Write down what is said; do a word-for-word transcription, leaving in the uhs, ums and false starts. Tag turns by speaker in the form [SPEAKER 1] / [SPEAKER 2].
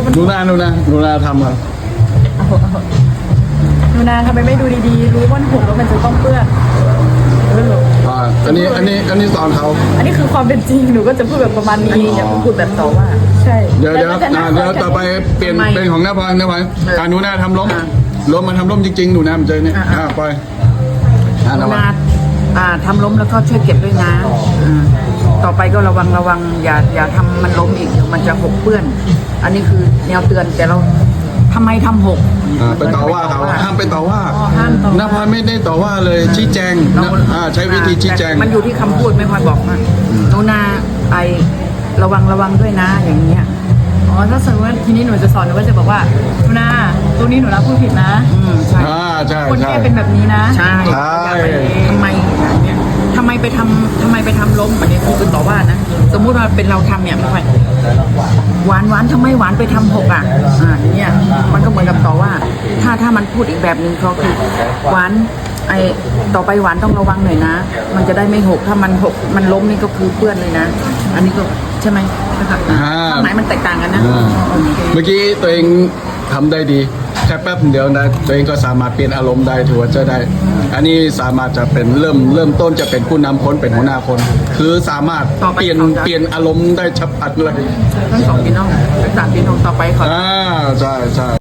[SPEAKER 1] ดูหน้าดูนะดูหน้าทำอ่ะ
[SPEAKER 2] ดูนานทำไมไม่ดูดีๆรู้ว่าหกแล้วมันจะต้องเปื้อนเออ
[SPEAKER 1] อ่าอันนี้อันนี้อันนี้สอนเขา
[SPEAKER 2] อันนี้คือความเป็นจริงหนูก็จะพูดแบบประมาณนี้อย่าพูดแบบต่อว่าใช่
[SPEAKER 1] เดี๋ยวเดี๋ยว
[SPEAKER 2] แล้ก็จะ
[SPEAKER 1] อ่า
[SPEAKER 2] นั่ง
[SPEAKER 1] เดี๋ยวต่อไปเปลี่ยนเป็นของหน้าพรหน้าพรการหนูหน้าทำล้มล้มมันทำล้มจริงๆหนูน้ามันเจอเนี่ยอ่าปล่อยอ่า
[SPEAKER 3] ห
[SPEAKER 1] น้าพร
[SPEAKER 3] นาอ่าทำล้มแล้วก็ช่วยเก็บด้วยนะอ่าต่อไปก็ระวังระวังอย่าอย่าทำมันล้มอีกเดี๋ยวมันจะหกเปื้อน อันนี้คือแนวเตือนแต่เราทำไมทำหก
[SPEAKER 1] อ่าไปต่อว่าเขาห้ามไปต่อว่า
[SPEAKER 2] ห้ามต่อ
[SPEAKER 1] หน้าพรไม่ได้ต่อว่าเลยชี้แจงนะอ่าใช้วิธีชี้แจง
[SPEAKER 3] ต่มันอยู่ที่คำพูดไม่ค่อยบอกว่าหนูนาไอระวังระวังด้วยนะอย่างเงี้ย
[SPEAKER 2] อ๋อถ้าสมมติว่าทีนี้หนูจะสอนหนูก็จะบอกว่าหนูนาตัวนี้หนูรับพูดผิดนะ
[SPEAKER 3] อืมใช่
[SPEAKER 1] อ่าใช่
[SPEAKER 2] คน
[SPEAKER 1] ใช่
[SPEAKER 2] แก้เป็นแบบนี้นะ
[SPEAKER 3] ใช่
[SPEAKER 1] ใช่
[SPEAKER 3] ทำไมเนี่ยทำไมไปทำทำไมไปทำล้มอันนี้คือเป็นต่อว่านะสมมุติว่าเป็นเราทำเนี่ยไม่ค่อยหวานหวานทำไมหวานไปทำหกอ่ะอ่าอย่างเงี้ยมันก็เหมือนกับต่อว่า ถ้าถ้ามันพูดอีกแบบหนึ่งก็คือหวานไอต่อไปหวานต้องระวังหน่อยนะ มันจะได้ไม่หกถ้ามันหกมันล้มนี่ก็คือเปื้อนเลยนะ อันนี้ก็ใช่ไหมนะคะ
[SPEAKER 1] อ่า
[SPEAKER 3] ความหมายมันแตกต่างกันนะ
[SPEAKER 1] อ่าเมื่อกี้ตัวเองทำได้ดีแค่แป๊บเดียวนะตัวเองก็สามารถเปลี่ยนอารมณ์ได้ถือว่าจะได้ อันนี้สามารถจะเป็นเริ่มเริ่มต้นจะเป็นผู้นำคนเป็นหัวหน้าคน คือสามารถเปลี่ยนเปลี่ยนอารมณ์ได้ฉับพลันเลย
[SPEAKER 3] ทั้งสองพี่น้องทั้งสามพี่น้องต่อไปเขา
[SPEAKER 1] อ่าใช่ใช่